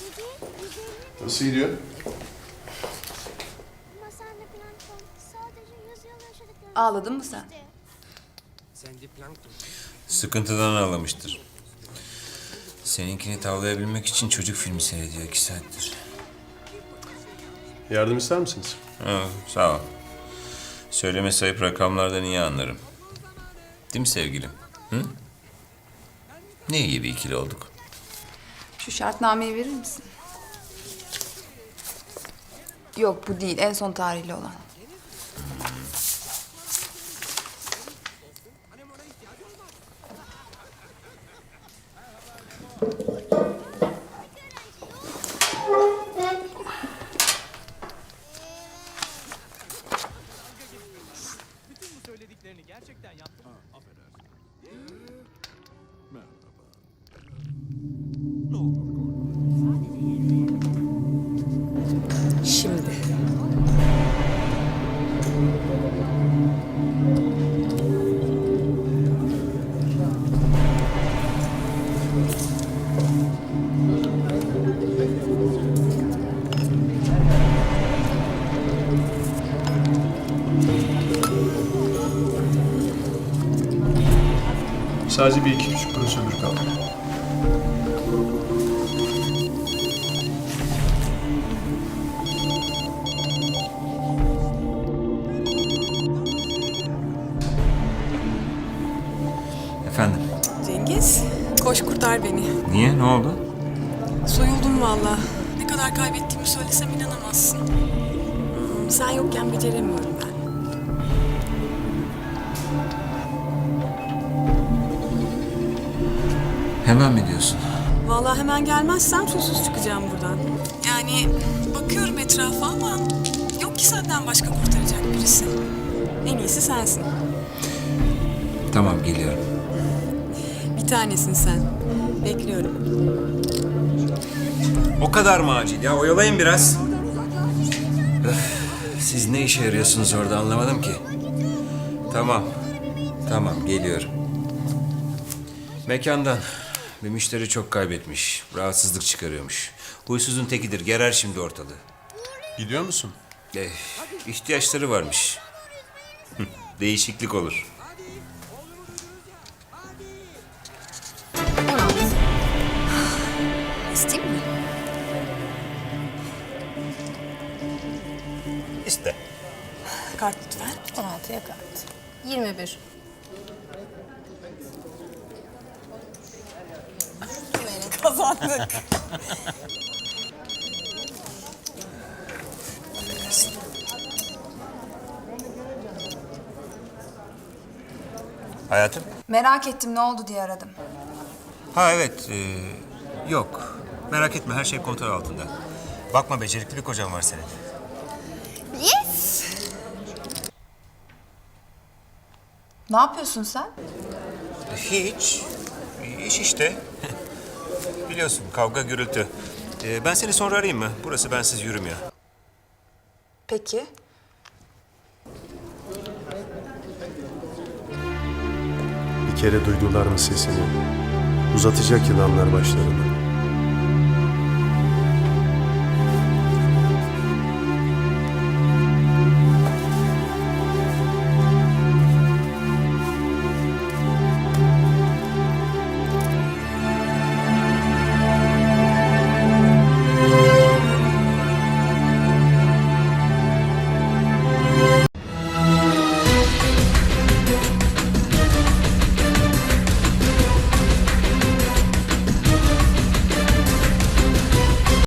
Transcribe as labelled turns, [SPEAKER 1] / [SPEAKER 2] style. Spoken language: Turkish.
[SPEAKER 1] Nasıl gidiyor?
[SPEAKER 2] Ağladın mı sen?
[SPEAKER 3] Sıkıntıdan ağlamıştır. Seninkini tavlayabilmek için çocuk filmi seyrediyor 2 saattir.
[SPEAKER 1] Yardım ister misiniz?
[SPEAKER 3] Ha, sağ ol. Söyleme sayıp rakamlardan iyi anlarım. Değil mi sevgilim? Hı? Ne iyi bir ikili olduk.
[SPEAKER 2] Şu şartnameyi verir misin? Yok bu değil, en son tarihli olan. Şimdi.
[SPEAKER 1] Sadece bir iki küçük prosedür kaldı.
[SPEAKER 3] Efendim?
[SPEAKER 4] Cengiz, koş kurtar beni.
[SPEAKER 3] Niye? Ne oldu?
[SPEAKER 4] Soyuldum valla. Ne kadar kaybettiğimi söylesem inanamazsın. Sen yokken beceremiyorum ben.
[SPEAKER 3] Hemen mi diyorsun?
[SPEAKER 4] Valla hemen gelmezsen susuz çıkacağım buradan. Yani bakıyorum etrafa ama yok ki senden başka kurtaracak birisi. En iyisi sensin.
[SPEAKER 3] Tamam, geliyorum.
[SPEAKER 4] Bir tanesin sen. Bekliyorum.
[SPEAKER 3] O kadar mı acil ya? Oyalayın biraz. Öf, siz ne işe yarıyorsunuz orada anlamadım ki. Tamam. Tamam, geliyorum. Mekandan. Bir müşteri çok kaybetmiş. Rahatsızlık çıkarıyormuş. Huysuzun tekidir. Gerer şimdi ortalığı.
[SPEAKER 1] Gidiyor musun?
[SPEAKER 3] İhtiyaçları varmış. Değişiklik olur.
[SPEAKER 2] İsteyeyim mi?
[SPEAKER 3] İşte.
[SPEAKER 4] Kart lütfen.
[SPEAKER 5] 16'ya kart. 21.
[SPEAKER 4] Kazandık.
[SPEAKER 3] Hayatım?
[SPEAKER 2] Merak ettim ne oldu diye aradım.
[SPEAKER 3] Ha evet. Yok. Merak etme, her şey kontrol altında. Bakma, becerikli bir kocan var senin.
[SPEAKER 2] Yes! Ne yapıyorsun sen?
[SPEAKER 3] Hiç. İş işte. Biliyorsun, kavga gürültü. Ben seni sonra arayayım mı? Burası bensiz yürümüyor.
[SPEAKER 2] Peki.
[SPEAKER 1] Bir kere duydular mı sesini? Uzatacak yılanlar başlarını.